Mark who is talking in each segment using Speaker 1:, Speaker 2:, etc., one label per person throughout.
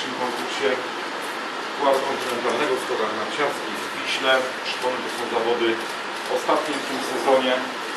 Speaker 1: dzisiejszym konkursie Pucharu Kontynentalnego w skokach narciarskich w Wiśle. Przypomnę, to są zawody ostatnie w tym sezonie.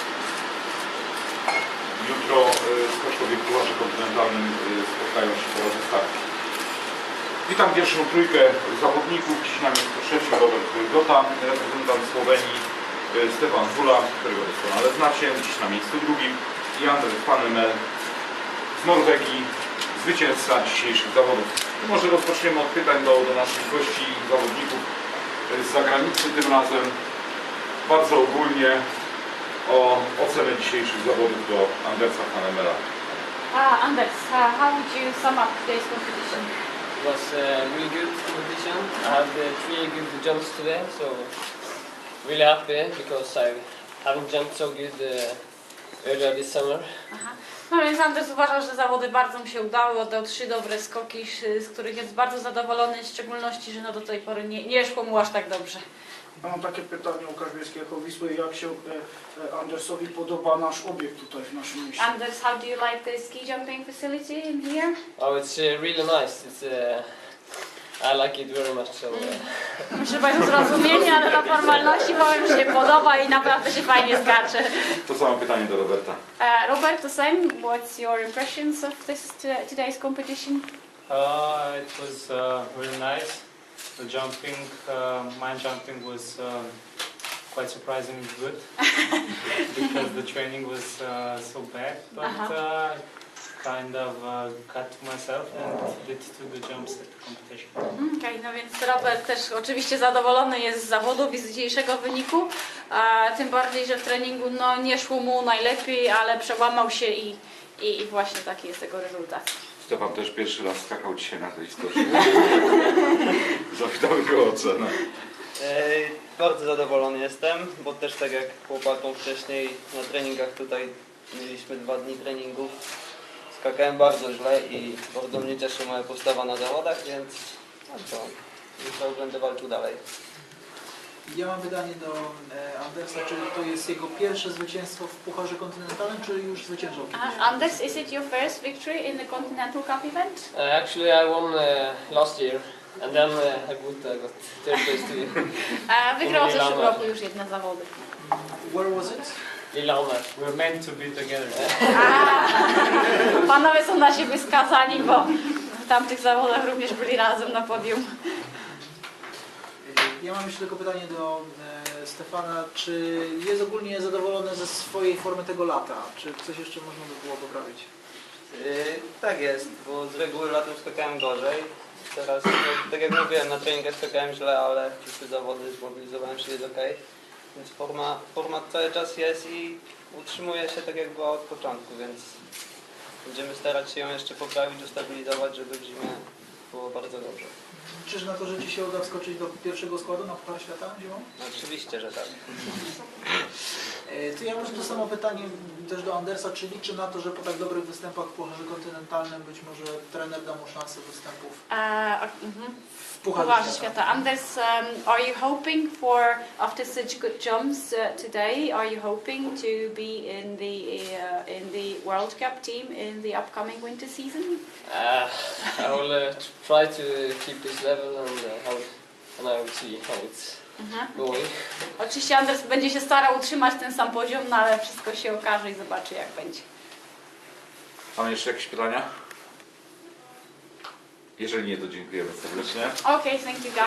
Speaker 1: Jutro skoczkowie w Pucharze Kontynentalnym spotkają się po raz ostatni. Witam pierwszą trójkę zawodników. Dziś na miejscu trzecim Robert Gota, reprezentant Słowenii Stefan Zula, którego doskonale znacie. Dziś na miejscu drugim i Anders Panemel z Norwegii, zwycięzca dzisiejszych zawodów. I może rozpoczniemy od pytań do naszych gości i zawodników z zagranicy tym razem. Bardzo ogólnie o ocenę dzisiejszych zawodów do Andersa Panemela.
Speaker 2: Anders, how would you sum up today's competition?
Speaker 3: It was a really good competition. I had 3 good jumps today, so really happy because I haven't jumped so good earlier this summer.
Speaker 2: Aha. No więc Anders uważa, że zawody bardzo mu się udały, oddał 3 dobre skoki, z których jest bardzo zadowolony, w szczególności, że no do tej pory nie szło mu aż tak dobrze.
Speaker 4: Ja mam takie pytanie Łukasz Bielski-Echo Wisły, jak się Andersowi podoba nasz obiekt tutaj w naszym mieście?
Speaker 2: Anders, how do you like the ski jumping facility in here?
Speaker 3: Oh, it's really nice. I like it very much. So,
Speaker 2: Muszę Państwu zrozumienie, ale na formalności powiem, że się podoba i naprawdę się fajnie skacze.
Speaker 1: To samo pytanie do Roberta.
Speaker 2: Robert, the same. What's your impressions of this today's competition?
Speaker 5: It was really nice. The jumping, my jumping was quite surprisingly good because the training was so bad, but kind of got to myself and did 2 good jumps at the competition.
Speaker 2: Okej, no więc Robert też oczywiście zadowolony jest z zawodów i z dzisiejszego wyniku, tym bardziej, że w treningu no, nie szło mu najlepiej, ale przełamał się i właśnie taki jest tego rezultat.
Speaker 1: Stefan też pierwszy raz skakał dzisiaj na tej skoczni. Zapytamy go o ocenę.
Speaker 6: Bardzo zadowolony jestem, bo też tak jak chłopakom wcześniej na treningach tutaj mieliśmy 2 dni treningów. Skakałem bardzo źle i bardzo mnie cieszy moja postawa na zawodach, więc no co, jutro będę walczył dalej.
Speaker 7: Ja mam pytanie do Andersa, czy to jest jego pierwsze zwycięstwo w Pucharze Kontynentalnym, czy już zwyciężał?
Speaker 2: Anders, is it your first victory in the Continental Cup event?
Speaker 3: actually, I won last year, and then I got third place to
Speaker 2: Wygrał w zeszłym roku już jedne zawody.
Speaker 7: Where was it?
Speaker 3: Lillehammer.
Speaker 5: We're meant to be together.
Speaker 2: Panowie są na siebie skazani, bo w tamtych zawodach również byli razem na podium.
Speaker 7: Ja mam jeszcze tylko pytanie do Stefana, czy jest ogólnie zadowolony ze swojej formy tego lata? Czy coś jeszcze można by było poprawić?
Speaker 6: Tak jest, bo z reguły latem skakałem gorzej. Teraz, no, tak jak mówiłem, na treningach skakałem źle, ale przyszły zawody, zmobilizowałem się, jest ok. Więc forma cały czas jest i utrzymuje się tak jak była od początku, więc będziemy starać się ją jeszcze poprawić, ustabilizować, żeby w zimie było bardzo dobrze.
Speaker 7: Czyż na to, że Ci się uda wskoczyć do pierwszego składu na Puchar Świata zimą?
Speaker 6: No, oczywiście, że tak.
Speaker 7: To ja może to samo pytanie też do Andersa, czy liczy na to, że po tak dobrych występach w Pucharze Kontynentalnym być może trener da mu szansę występów w
Speaker 2: Pucharze Świata. Anders, are you hoping for, after such good jumps today, are you hoping to be in the World Cup team in the upcoming winter season?
Speaker 3: I will try to keep this level and I will see how it's going.
Speaker 2: Oczywiście Anders będzie się starał utrzymać ten sam poziom, no ale wszystko się okaże i zobaczy jak będzie.
Speaker 1: Mamy jeszcze jakieś pytania? Jeżeli nie, to dziękujemy serdecznie.
Speaker 2: Okay, thank you guys.